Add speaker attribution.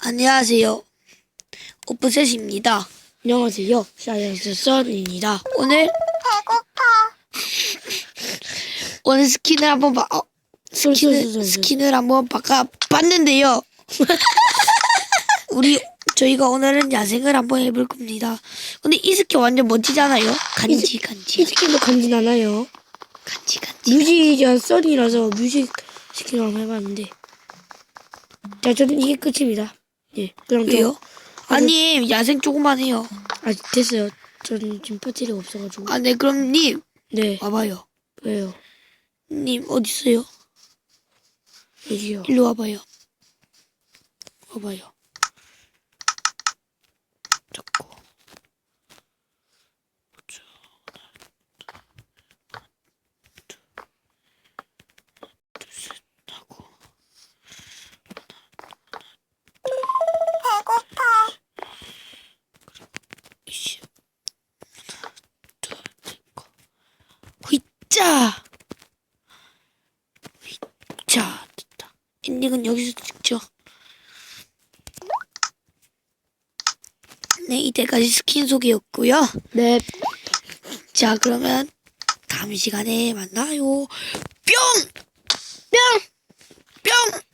Speaker 1: 안녕하세요. 오프셋입니다.
Speaker 2: 안녕하세요. 사이언스 썬입니다.
Speaker 1: 오늘 스킨을 한번 스킨을 한번 바꿔봤는데요. 저희가 오늘은 야생을 한번 해볼 겁니다. 근데 이 스킨 완전 멋지잖아요.
Speaker 2: 이 스킨도 간지 않아요.
Speaker 1: 간지.
Speaker 2: 뮤직이한 썬이라서 뮤직 스킨을 한번 해봤는데. 자, 저는 이게 끝입니다. 예. 그럼
Speaker 1: 왜요? 아니 야생 조금만 해요.
Speaker 2: 됐어요. 저는 지금 배터리가 없어가지고.
Speaker 1: 아, 네, 그럼 님
Speaker 2: 네.
Speaker 1: 와봐요.
Speaker 2: 왜요?
Speaker 1: 님 어디 있어요?
Speaker 2: 여기요.
Speaker 1: 일로 와봐요. 와봐요. 잡고. 하고. 이씨. 휘짜. 휘짜. 됐다. 엔딩은 여기서 찍죠. 네, 이때까지 스킨 소개였고요.
Speaker 2: 네.
Speaker 1: 자, 그러면 다음 시간에 만나요. 뿅! 뿅!